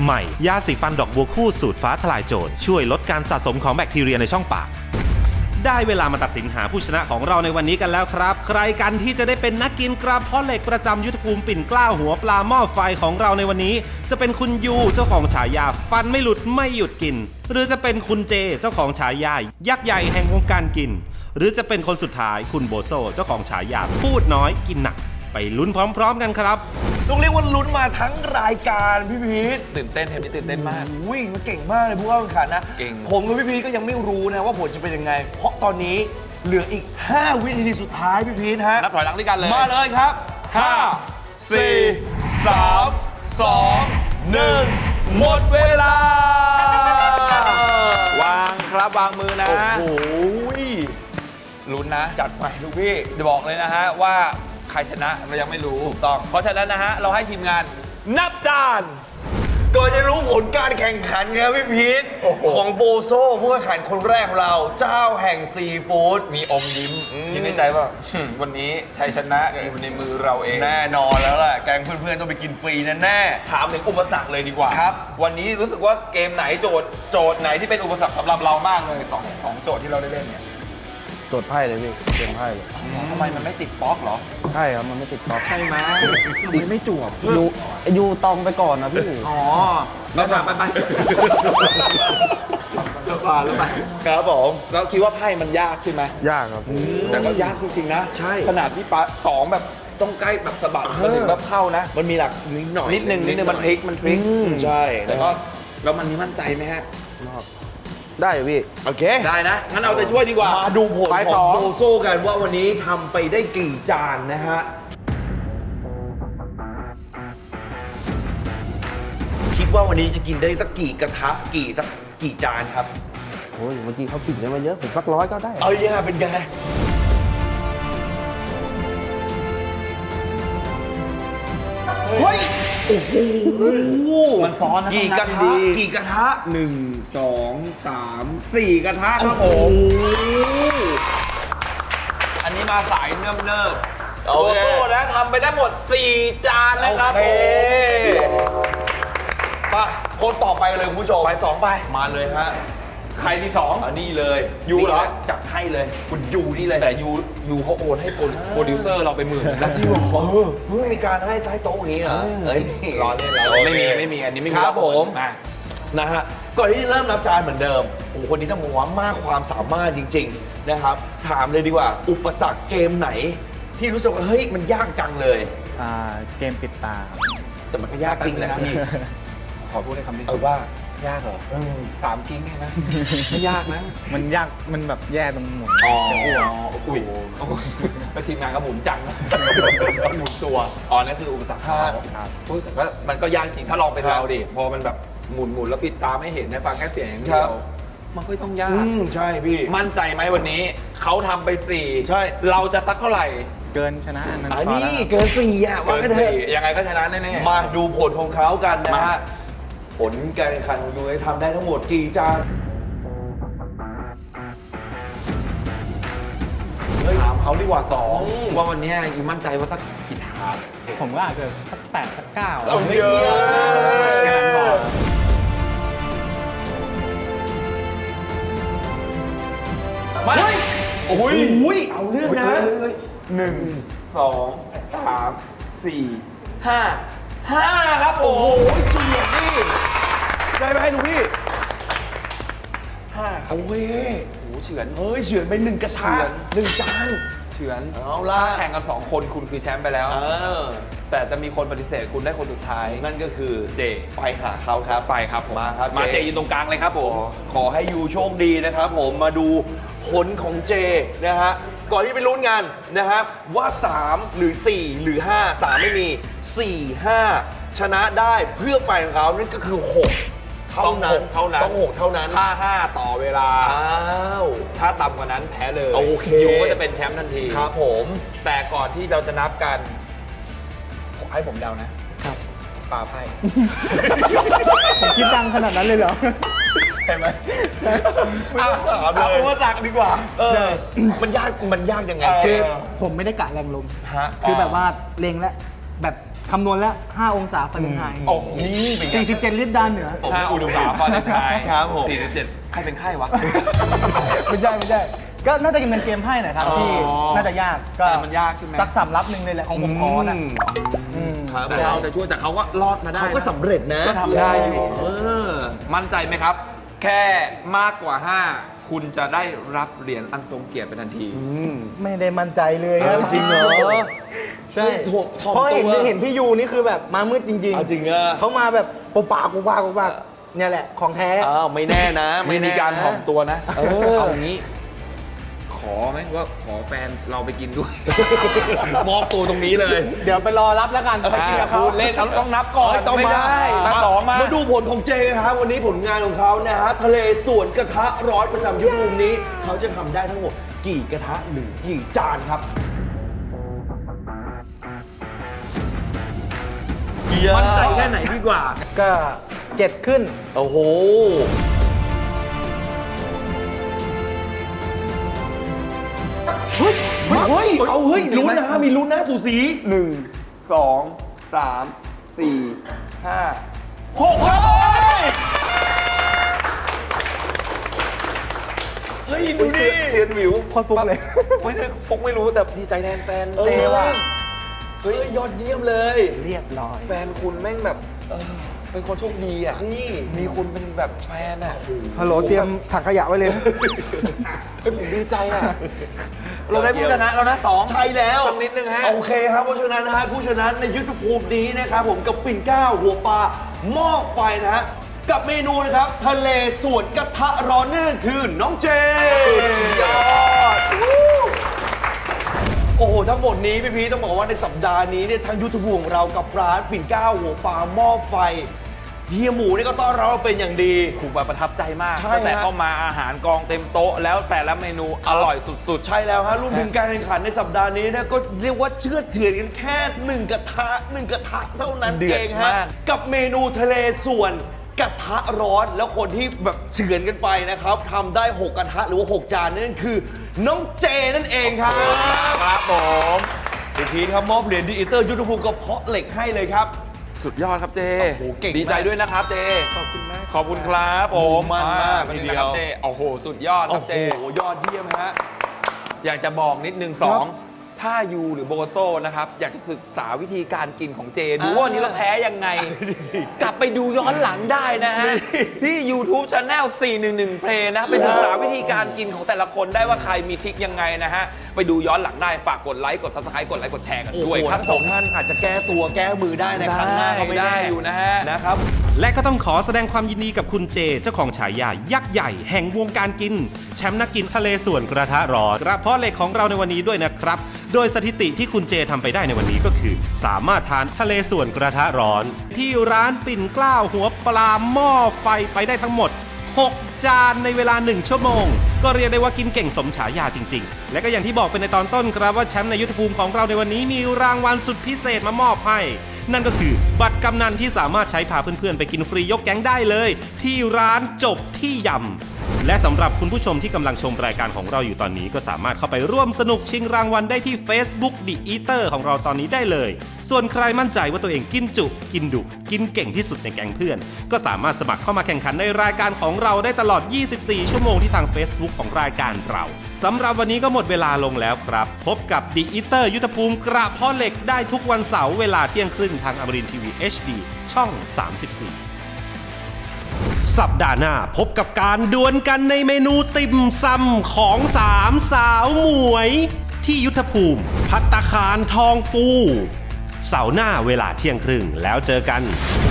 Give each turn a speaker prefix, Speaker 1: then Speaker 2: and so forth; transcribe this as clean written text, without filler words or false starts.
Speaker 1: ใหม่ยาสีฟันดอกบัวคู่สูตรฟ้าทลายโจรช่วยลดการสะสมของแบคทีเรียในช่องปากได้เวลามาตัดสินหาผู้ชนะของเราในวันนี้กันแล้วครับใครกันที่จะได้เป็นนักกินกระเพาะเหล็กประจำยุทธภูมิปิ่นเกล้าหัวปลาหม้อไฟของเราในวันนี้จะเป็นคุณยูเจ้าของฉายาฟันไม่หลุดไม่หยุดกินหรือจะเป็นคุณเจเจ้าของฉายายักษ์ใหญ่แห่งวงการกินหรือจะเป็นคนสุดท้ายคุณโบโซเจ้าของฉายาพูดน้อยกินหนักไปลุ้นพร้อมๆกันครับ
Speaker 2: ต้องเรียกว่าลุ้นมาทั้งรายการพี่พีท
Speaker 3: ตื่นเต้นเทปนี้ตื่นเต้นมาก
Speaker 2: วิ่งมันเก่งมากเลยผู้เข้าแข่งขันนะ
Speaker 3: เก่ง
Speaker 2: ผมกับพี่พีทก็ยังไม่รู้นะว่าผลจะเป็นยังไงเพราะตอนนี้เหลืออีก 5 วินาทีสุดท้ายพี่พีทฮะ
Speaker 3: นับถอยหลังด้วยกันเลย
Speaker 2: มาเลยครับ 5 4 3 2 1 หมดเวลา
Speaker 3: วางครับวางมือนะ
Speaker 2: โอ้โห
Speaker 3: ลุ้นนะ
Speaker 2: จัดไปลูกพี่
Speaker 3: จะบอกเลยนะฮะว่าใครชนะเรายังไม่รู้ถูกต้องเพราะฉะนั้นนะฮะเราให้ทีมงานนับจาน
Speaker 2: ก่อนจะรู้ผลการแข่งขันครับพี่พีทของโบโซผู้แข่งขันคนแรกของเราเจ้าแห่งซีฟู้ด
Speaker 3: มีอมยิ้มคิดในใจว่าวันนี้ชัยชนะอยู่ในมือเราเอง
Speaker 2: แน่นอนแล้วแหละแกงเพื่อนๆต้องไปกินฟรีแน่
Speaker 3: ถามถึงอุปสรรคเลยดีกว่า
Speaker 2: ครับ
Speaker 3: วันนี้รู้สึกว่าเกมไหนโจทย์ไหนที่เป็นอุปสรรคสำหรับเรามากเลยสองโจทย์ที่เราได้เล่นเนี่ย
Speaker 4: โจทย์ไพ่เลยพี่เกมไพ่เลย
Speaker 3: ทำไมมันไม่ติดบล็อกเหรอ
Speaker 4: ใช่ครับ มันไม่ติดท็อป
Speaker 3: ใช่ไหมทำไมไม่จวบ
Speaker 4: ยูตองไปก่อนนะพี่
Speaker 3: อ๋อแล้วไปแล้วไป
Speaker 2: ครับผม
Speaker 3: เราคิดว่าไพ่มันยากใช่ไหม
Speaker 4: ยากครับ
Speaker 3: แต่ก็ยากจริงๆนะ
Speaker 2: ใช่
Speaker 3: ขนาดที่ปะสองแบบต้องใกล้แบบสะบัดมันถึงแบบเข้านะ
Speaker 2: มันมีหลักนิดหน่อย
Speaker 3: นิดนึงมันพลิก
Speaker 2: ใช่
Speaker 3: แต่ก็แล้วมันนี้มั่นใจไหมฮะ
Speaker 4: ได้อยู่พี่
Speaker 2: โอเค
Speaker 3: ได้นะ งั้นเอาใจช่วยดีกว่า
Speaker 2: มาดูผล
Speaker 3: ไป
Speaker 2: ข
Speaker 3: ส
Speaker 2: อ
Speaker 3: อง ง
Speaker 2: โบโซกันว่าวันนี้ทำไปได้กี่จานนะฮะ คิดว่าวันนี้จะกินได้สักกี่กระทะกี่จานครับ
Speaker 4: โอ้ยเมื่อกี้เขาขิงกันมาเยอะ ผมสัก100ก็ได้
Speaker 2: เอาย่าเป็นไงเฮ้ย โอ้โห
Speaker 3: มันซ้อนนะ
Speaker 2: กี่กระ
Speaker 3: ต้องนับ
Speaker 2: ทะ
Speaker 3: ดี
Speaker 2: กี่กระทะ
Speaker 3: 1 2 3 4 กระทะครับผ
Speaker 2: โอ้
Speaker 3: ม
Speaker 2: โห
Speaker 3: อันนี้มาสายเนิ่มๆ
Speaker 2: โอ
Speaker 3: โบ
Speaker 2: เค
Speaker 3: โซ่นะทำไปได้หมด 4 จานนะครับ
Speaker 2: โอ
Speaker 3: ผ
Speaker 2: เค
Speaker 3: ม
Speaker 2: ไปคนต่อไปเลยคุณผู้ชม
Speaker 3: ไป2ไป
Speaker 2: มาเลยฮะ
Speaker 3: ใครที่
Speaker 2: อันนี้เลย
Speaker 3: ยูเหรอ
Speaker 2: นี่นะจัดให้เลย คุณยูนี่เลย
Speaker 3: แต่ยูเขาโอนให้โปรดิวเซอร์เราไป10,000
Speaker 2: แล้วจริงเหรอเพิ่งมีการให้ใต้โต๊ะอย่างนี้เหรอเฮ้ย
Speaker 3: รอเล่นไม่มีอันนี้ไม่มี
Speaker 2: ครับผม
Speaker 3: มา
Speaker 2: นะฮะก่อนที่จะเริ่มนับจานเหมือนเดิมโอ้โหคนนี้ต้องบอกว่ามากความสามารถจริง ๆนะครับ ถามเลยดีกว่า อุปสรรคเกมไหน ที่รู้สึกว่าเฮ้ยมันยากจังเลย
Speaker 4: เกมปิดตา
Speaker 2: แต่มันก็ยากจริงแหละพี่
Speaker 3: ขอพูดในคำนี้
Speaker 2: ว่า
Speaker 3: ยากเหรอ3 กิ้งเนี่ยนะ ไม่ยากนะ
Speaker 4: มันยาก มันแบบแย่ตรงหมุน
Speaker 3: อ๋ออุ้ยแล้วทีมงานก็หมุนจังนะหมุนตัว อ๋อ นั่นคืออุปสรรคเขา
Speaker 4: ครับ
Speaker 3: อุ๊ยแต่ว่ามันก็ยากจริง ถ้าลองเป็นเราดิ พอมันแบบหมุนแล้วปิดตาไม่เห็นนะฟังแค่เสียงอย่างเดียวมันก็ต้องยาก
Speaker 2: ใช่พี่
Speaker 3: มั่นใจไหมวันนี้ เขาทำไป 4
Speaker 2: ใช่
Speaker 3: เราจะสักเท่าไหร่
Speaker 4: เกินชนะอันนั้น
Speaker 2: อัน
Speaker 4: พอ
Speaker 2: นี้
Speaker 4: แล้วครับ
Speaker 2: เกิน4อ่ะว่า
Speaker 3: เกิ
Speaker 2: กัน
Speaker 3: น
Speaker 2: เถอะ
Speaker 3: 4ยังไงก็ชนะแน่ๆ
Speaker 2: มาดูผลของเขากันนะฮะ ผลการแข่งขันของยูไอทำได้ทั้งหมดกี่จาน
Speaker 3: ถามเขาดีกว่า2ว่าวันนี้ยูมั่นใจว่าสักกี่ถาด
Speaker 4: ผมก็อาจจะสัก8สัก9
Speaker 2: เอาเยอะ
Speaker 4: แค่นั้นพอ
Speaker 3: มา
Speaker 2: โอ้ยเอาเรื่องนะ
Speaker 3: 1 2 3 4 5ครับผ
Speaker 2: โอ้โห
Speaker 3: ม
Speaker 2: เฉียดนี่ได้ไหมให้ดูพี่
Speaker 3: 5ครับ
Speaker 2: โอ้ย
Speaker 3: โอ้โหเฉือน
Speaker 2: เฮ้ยเฉือนไป1กระทะ
Speaker 3: เฉือน
Speaker 2: 1จาน
Speaker 3: เฉือน
Speaker 2: เอาละ
Speaker 3: แข่งกัน 2 คนคุณคือแชมป์ไปแล้ว แต่จะมีคนปฏิเสธคุณได้คนสุดท้าย
Speaker 2: นั่นก็คือ
Speaker 3: เจ
Speaker 2: ไปหาเขาครับ
Speaker 3: ไปครับผม
Speaker 2: มาครับ
Speaker 3: มาเจ
Speaker 2: เจ
Speaker 3: อยู่ตรงกลางเลยครับผม
Speaker 2: ขอให้ยูโชคดีนะครับผมมาดูผลของเจนะฮะก่อนที่ไปลุ้นกันนะครับว่า 3 หรือ 4 หรือ 5 3 ไม่มี 4 5 ชนะได้เพื่อไปของเขานั่นก็คือ 6 เท่านั้น ต้อง 6 เท่านั้น
Speaker 3: ถ้า 5 ต่อเวลา
Speaker 2: อ้าว
Speaker 3: ถ้าต่ำกว่านั้นแพ้เลย
Speaker 2: โอเค
Speaker 3: ยูก็จะเป็นแชมป์ทันที
Speaker 2: ครับผม
Speaker 3: แต่ก่อนที่เราจะนับกันขอให้ผมเดานะครับ ปลาไพ่
Speaker 4: ผมคิดดังขนาดนั้นเลยเหรอ
Speaker 2: เห็นไหมไม่ต้องถามเล
Speaker 3: เอา
Speaker 2: ย
Speaker 3: อุปสรรคดีกว่า
Speaker 2: มันยากยังไง
Speaker 3: เออ
Speaker 2: เจ
Speaker 5: ผมไม่ได้กะแรงลม
Speaker 2: ฮะ
Speaker 5: คือแบบว่าเล็งและแบบ
Speaker 4: คำนวณแล้ว 5 องศาฟาเรนไฮต์
Speaker 3: โอ้โห
Speaker 4: 47 ลิตรด้านเหนือ
Speaker 3: 5 อุณหภูมิฟาเรนไฮต์
Speaker 2: ครับผม
Speaker 3: 47 ใครเป็นไข้วะ
Speaker 4: ไม่ใช่ ก็น่าจะเป็นเกมไพ่หน่อยครับ ที่น่าจะยากก็
Speaker 3: แต่มันยากใช่ไหม
Speaker 4: สัก3 รับหนึ่งเลยแหละของผมขอนะ
Speaker 2: ครับ
Speaker 3: แต่เราจะช่วยแต่เขาก็รอดมาได้
Speaker 2: เขาก็สำเร็จนะ
Speaker 3: ก็ทำได้อยู่
Speaker 2: เออ
Speaker 3: มั่นใจไหมครับ แค่มากกว่า 5 คุณจะได้รับเหรียญอันทรงเกียรติเป็นทันที
Speaker 4: ไม่ได้มั่นใจเลยครับ
Speaker 2: จริงเหรอ
Speaker 4: ใช่
Speaker 2: ถ่อม
Speaker 4: เพราะ
Speaker 2: ตัว
Speaker 4: เห็นพี่ยูนี่คือแบบมามืดจริง
Speaker 2: เอาจริงอะ
Speaker 4: เขามาแบบปุบปากเนี่ยแหละของแท้
Speaker 2: อ้าวไม่แน่นะ
Speaker 3: ไม่มีการถ่อมตัวนะ
Speaker 2: เออ
Speaker 3: เอางี้ ขอไหมว่าขอแฟนเราไปกินด้วย
Speaker 2: มอบตัวตรงนี้เลย
Speaker 4: เดี๋ยวไปรอรับแล้วกันไปกินกับเขา
Speaker 3: พูดเล่นเอาต้องนับก่อน
Speaker 2: ต้อง
Speaker 3: ไม่ได้
Speaker 2: มา
Speaker 3: สองมา
Speaker 2: มาดูผลของเจนะครับวันนี้ผลงานของเขานะฮะทะเลสวนกระทะร้อนประจำยุคภูมินี้ เขาจะทำได้ทั้งหมดกี่กระทะหรือกี่จานครับ
Speaker 3: มั่นใจแค่ไหนดีกว่า
Speaker 4: ก็ 7 ขึ้น
Speaker 2: โอ้โห เฮ้ยเอาเฮ้ยลุ้นนะ มีลุ้นนะสูสี
Speaker 3: 1 2 3 4 5 6ครับเฮ้ยดูดิเซียนหวิว
Speaker 4: โคตรฟุกเลย
Speaker 3: ไม่ได้ฟุกไม่รู้แต่ดีใจแทนแฟนเจว่ะ
Speaker 2: เฮ้ยยอดเยี่ยมเลย
Speaker 4: เรียบร้อย
Speaker 3: แฟนคุณแม่งแบบเป็นคนโชคดีอ่ะ
Speaker 2: นี่
Speaker 3: มีคุณเป็นแบบแฟนอ่ะ
Speaker 4: ฮัลโหลเตรียมถังขยะไว้เลย
Speaker 3: เฮ้ยผมดีใจอ่ะ เราได้ผู้ชนะแล้วนะสอง
Speaker 2: ใช่แล้ว
Speaker 3: สักนิดนึงฮะ
Speaker 2: โอเคครับเพราะฉะนั้นนะฮะผู้ชนะในยุทธภูมินี้นะครับผมกับปิ่นเกล้าหัวปลาหม้อไฟนะฮะกับเมนูนะครับทะเลสวนกระทะร้อนนั่นคือน้องเจยอดโอ้โหทั้งหมดนี้พี่พีต้องบอกว่าในสัปดาห์นี้เนี่ยทางยุทธภูมิของเรากับร้านปิ่นเกล้าหัวปลาหม้อไฟเฮียหมูนี่ก็ต้อนรับเราเป็นอย่างดี
Speaker 3: ถูกแบบประทับใจมาก
Speaker 2: ใช่
Speaker 3: ตั้งแต่
Speaker 2: ฮะ
Speaker 3: เข้ามาอาหารกองเต็มโต๊ะแล้วแต่ละเมนูอร่อยสุด
Speaker 2: ใช่แล้วฮะรวมถึงการแข่งขันในสัปดาห์นี้เนี่ยก็เรียกว่าเชื่อดเฉือนกันแค่1 กระทะเท่านั้น
Speaker 3: เดือ
Speaker 2: เอ
Speaker 3: ด
Speaker 2: งฮะ
Speaker 3: มาก
Speaker 2: กับเมนูทะเลส่วนกระทะร้อนแล้วคนที่แบบเฉือนกันไปนะครับทำได้ 6 กระทะหรือว่า 6 จานนั่นคือน้องเจนั่นเองครับ
Speaker 3: ๆ ครับผม
Speaker 2: อีกทีครับมอบเหรียญดีอิเตอร์ยุทธภูมิกระเพาะเหล็กให้เลยครับ
Speaker 3: สุดยอดครับเจ
Speaker 2: โอ้โหเก่งมาก
Speaker 3: ดีใจด้วยนะครับเจ ขอบคุณมาก ขอบคุณครับผม
Speaker 2: มั่นมาก
Speaker 3: เป็น
Speaker 2: ที
Speaker 3: ไง
Speaker 2: เดียว
Speaker 3: ครับเจ โอ้โห สุดยอดค
Speaker 2: โอ้
Speaker 3: รับ
Speaker 2: โห
Speaker 3: เจ
Speaker 2: ยอดเยี่ยมฮะ
Speaker 3: อยากจะบอกนิดนึง
Speaker 2: ครับ
Speaker 3: 2 ถ้ายูหรือโบโซนะครับ อยากจะศึกษาวิธีการกินของเจ ดูว่าวันนี้เราแพ้ยังไง กลับไปดูย้อนหลังได้นะฮะ ที่ YouTube Channel 411 Play นะ ไปศึกษาวิธีการกินของแต่ละคนได้ว่าใครมีทริคยังไงนะฮะ ไปดูย้อนหลังได้ฝากกดไลค์กด Subscribe กดไลค์กดแชร์กัน
Speaker 2: โอ้โห
Speaker 3: ด้วยครับ
Speaker 2: ทั้งสองท่านอาจจะแก้ตัวแก้มือได้ในครั้งหน้าก็ไม่
Speaker 3: ได้
Speaker 2: แน่
Speaker 3: อยู่นะฮะ
Speaker 2: นะครับ
Speaker 1: และก็ต้องขอแสดงความยินดีกับคุณเจ เจ้าของฉายายักษ์ใหญ่แห่งวงการกิน แชมป์นักกินทะเลส่วนกระทะร้อนกระเพาะเหล็กของเราในวันนี้ด้วยนะครับ โดยสถิติที่คุณเจทำไปได้ในวันนี้ก็คือ สามารถทานทะเลส่วนกระทะร้อน ที่ร้านปิ่นเกล้าหัวปลาหม้อไฟไปได้ทั้งหมด 6 จานในเวลา 1 ชั่วโมง ก็เรียกได้ว่ากินเก่งสมฉายาจริงๆ และก็อย่างที่บอกไปในตอนต้นครับว่าแชมป์ในยุทธภูมิของเราในวันนี้มีรางวัลสุดพิเศษมามอบให้ นั่นก็คือบัตรกำนันที่สามารถใช้พาเพื่อนๆไปกินฟรียกแก๊งได้เลย ที่ร้านจบที่ยำและสำหรับคุณผู้ชมที่กำลังชมรายการของเราอยู่ตอนนี้ก็สามารถเข้าไปร่วมสนุกชิงรางวัลได้ที่ Facebook The Eater ของเราตอนนี้ได้เลย ส่วนใครมั่นใจว่าตัวเองกินจุกินดุกินเก่งที่สุดในแก๊งเพื่อน ก็สามารถสมัครเข้ามาแข่งขันในรายการของเราได้ตลอด 24 ชั่วโมงที่ทาง Facebook ของรายการเราสำหรับวันนี้ก็หมดเวลาลงแล้วครับ พบกับ The Eater ยุทธภูมิกระเพาะเหล็กได้ทุกวันเสาร์เวลาเที่ยงครึ่งทางอมรินทร์ทีวี HD ช่อง 34 สัปดาห์หน้าพบกับการดวลกันในเมนูติ่มซำของสามสาวหมวย ที่ยุทธภูมิภัตตาคารทองฟู เสาร์หน้าเวลาเที่ยงครึ่งแล้วเจอกัน